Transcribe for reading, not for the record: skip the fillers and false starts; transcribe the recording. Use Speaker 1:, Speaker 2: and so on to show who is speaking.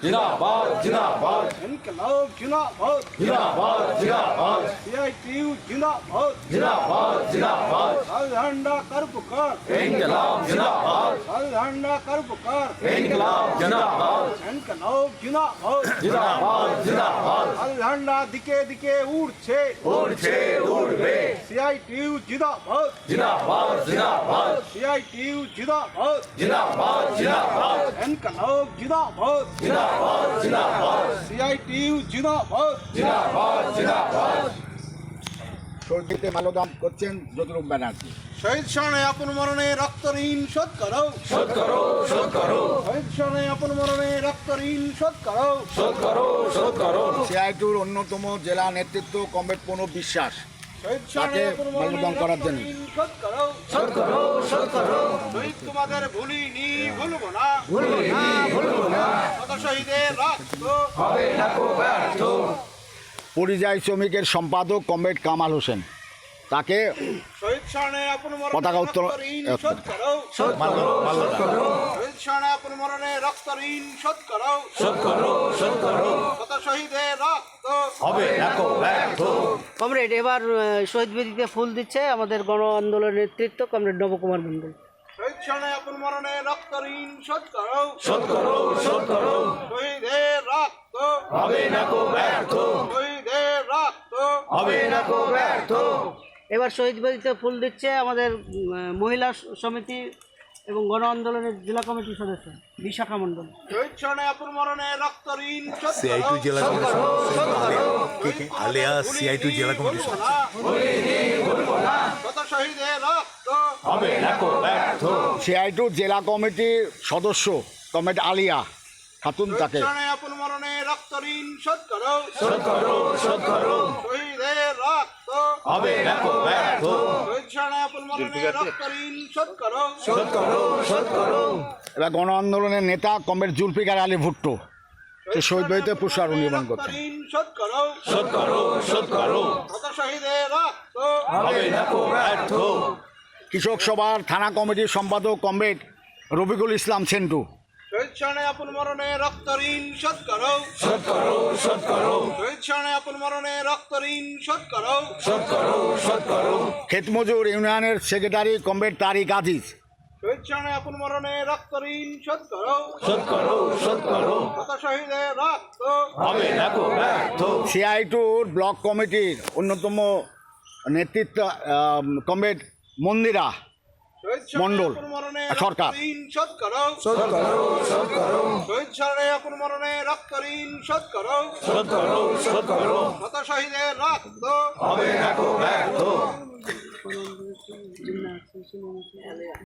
Speaker 1: जिंदाबाद जिंदाबाद
Speaker 2: इनकलाब जिंदाबाद
Speaker 1: जिंदाबाद जिंदाबाद
Speaker 2: सीआईटीयू जिंदाबाद
Speaker 1: जिंदाबाद जिंदाबाद
Speaker 2: झंडा कर पुकार
Speaker 1: इनकलाब जिंदाबाद
Speaker 2: झंडा कर पुकार
Speaker 1: इनकलाब जिंदाबाद
Speaker 2: इनकलाब जिंदाबाद
Speaker 1: जिंदाबाद जिंदाबाद
Speaker 2: झंडा दिके दिके उड़ছে
Speaker 1: उड़ছে उड़বে
Speaker 2: सीआईटीयू जिंदाबाद
Speaker 1: जिंदाबाद जिंदाबाद
Speaker 2: सीआईटीयू जिंदाबाद
Speaker 1: जिंदाबाद जिंदाबाद
Speaker 2: इनकलाब जिंदाबाद
Speaker 1: जिंदाबाद जिंदाबाद
Speaker 2: सीआईटीयू जिंदाबाद
Speaker 1: जिंदाबाद जिंदाबाद
Speaker 3: শহীদদের মাল্যদান করছেন জ্যোতিরূপ ব্যানার্জি।
Speaker 2: শহীদ শানে আপন মরণে রক্ত ঋণ শোধ করো
Speaker 1: শোধ করো শোধ করো
Speaker 2: শহীদ শানে আপন মরণে রক্ত ঋণ শোধ করো
Speaker 1: শোধ করো শোধ করো
Speaker 3: সিআইটির অন্যতম জেলা নেতৃত্ব কমরেড প্রণব বিশ্বাস
Speaker 2: শহীদ শানে
Speaker 3: তাকে
Speaker 2: আপন মরণে
Speaker 3: মাল্যদান করার জন্য।
Speaker 2: রক্ত ঋণ শোধ করো
Speaker 1: শোধ করো শোধ করো
Speaker 2: শহীদ তোমাদের ভুলিনি ভুলবো না
Speaker 1: ভুলবো না ভুলবো না
Speaker 2: শত শহীদের রক্ত
Speaker 1: হবে না কো ব্যর্থ
Speaker 3: পরিযায়ী শ্রমিকের সম্পাদক কমরেড কামাল হোসেন তাকে
Speaker 2: শহীদ শানে আপন মরণে
Speaker 3: পতাকা উত্তোলন-
Speaker 2: রক্ত ঋণ শোধ করো
Speaker 1: শোধ করো শোধ করো
Speaker 2: শহীদ শানে আপন মরণে রক্ত ঋণ শোধ করো
Speaker 1: শোধ করো শোধ করো
Speaker 2: শত শহীদের রক্ত
Speaker 1: হবে না কো ব্যর্থ
Speaker 4: কমরেড এবার শহীদ বেদিতে ফুল দিচ্ছে আমাদের গণ আন্দোলনের নেতৃত্ব কমরেড নবকুমার মণ্ডল।
Speaker 2: শহীদ শানে আপন মরণে রক্ত ঋণ শোধ করো
Speaker 1: শোধ করো শোধ করো
Speaker 2: শহীদের রক্ত
Speaker 1: হবে না কো ব্যর্থ
Speaker 2: শহীদের রক্ত
Speaker 1: হবে না কো ব্যর্থ
Speaker 4: এবার শহীদ বেদিতে ফুল দিচ্ছে আমাদের মহিলা সমিতি এবং গণ আন্দোলনের জেলা কমিটির সদস্য বিশাখা মণ্ডল।
Speaker 2: শহীদ শানে আপন মরণে রক্ত ঋণ শোধ
Speaker 5: সিআইটু
Speaker 2: করো
Speaker 5: জেলা কমিটি আলিয়াস সিআইটু জেলা কমিটি
Speaker 2: শত শহীদের রক্ত
Speaker 1: হবে না কো ব্যর্থ
Speaker 3: সিআইটির জেলা কমিটির সদস্য কমরেড আলিয়া খাতুন তাকে
Speaker 2: শানে আপন মরণে রক্ত ঋণ শোধ করো
Speaker 1: শোধ করো শোধ করো
Speaker 2: শহীদের রক্ত
Speaker 1: হবে না কো ব্যর্থ
Speaker 2: শহীদ শানে আপন মরণে রক্ত ঋণ শোধ করো
Speaker 1: শোধ করো শোধ করো
Speaker 3: এবার গণ আন্দোলনের নেতা কমরেড জুলফিকার আলী ভুট্টো সে শহীদ বেদিতে পুষ্পার্ঘ্য নিবেদন করছেন।
Speaker 2: ঋণ শোধ করো
Speaker 1: শোধ করো শোধ করো
Speaker 2: শত শহীদের রক্ত
Speaker 1: হবে না কো ব্যর্থ
Speaker 3: কৃষক সভার থানা কমিটির সম্পাদক কমরেড রফিকুল ইসলাম সেন্টু
Speaker 2: শহীদ শানে আপন মরণে রক্ত ঋণ শোধ করো
Speaker 1: শোধ করো শোধ করো
Speaker 2: শহীদ শানে আপন মরণে রক্ত ঋণ শোধ করো
Speaker 1: শোধ করো শোধ করো
Speaker 3: ক্ষেতমজুর ইউনিয়নের সেক্রেটারি কমরেড তারিক আজিজ
Speaker 2: শহীদ শানে আপন মরণে রক্ত ঋণ শোধ করো
Speaker 1: শোধ করো শোধ করো
Speaker 2: শত শহীদের রক্ত
Speaker 1: হবে না কো ব্যর্থ
Speaker 3: সিআইটুর ব্লক কমিটির অন্যতম নেতৃত্ব কমরেড মন্দিরা
Speaker 2: শহীদ শানে
Speaker 3: মণ্ডল,
Speaker 2: আপন মরণে
Speaker 3: সরকার।
Speaker 2: রক্ত ঋণ শোধ করো
Speaker 1: শোধ করো শোধ করো
Speaker 2: শহীদ শানে আপন মরণে রক্ত ঋণ শোধ করো
Speaker 1: শোধ করো শোধ করো
Speaker 2: শত শহীদের রক্ত
Speaker 1: হবে না কো ব্যর্থ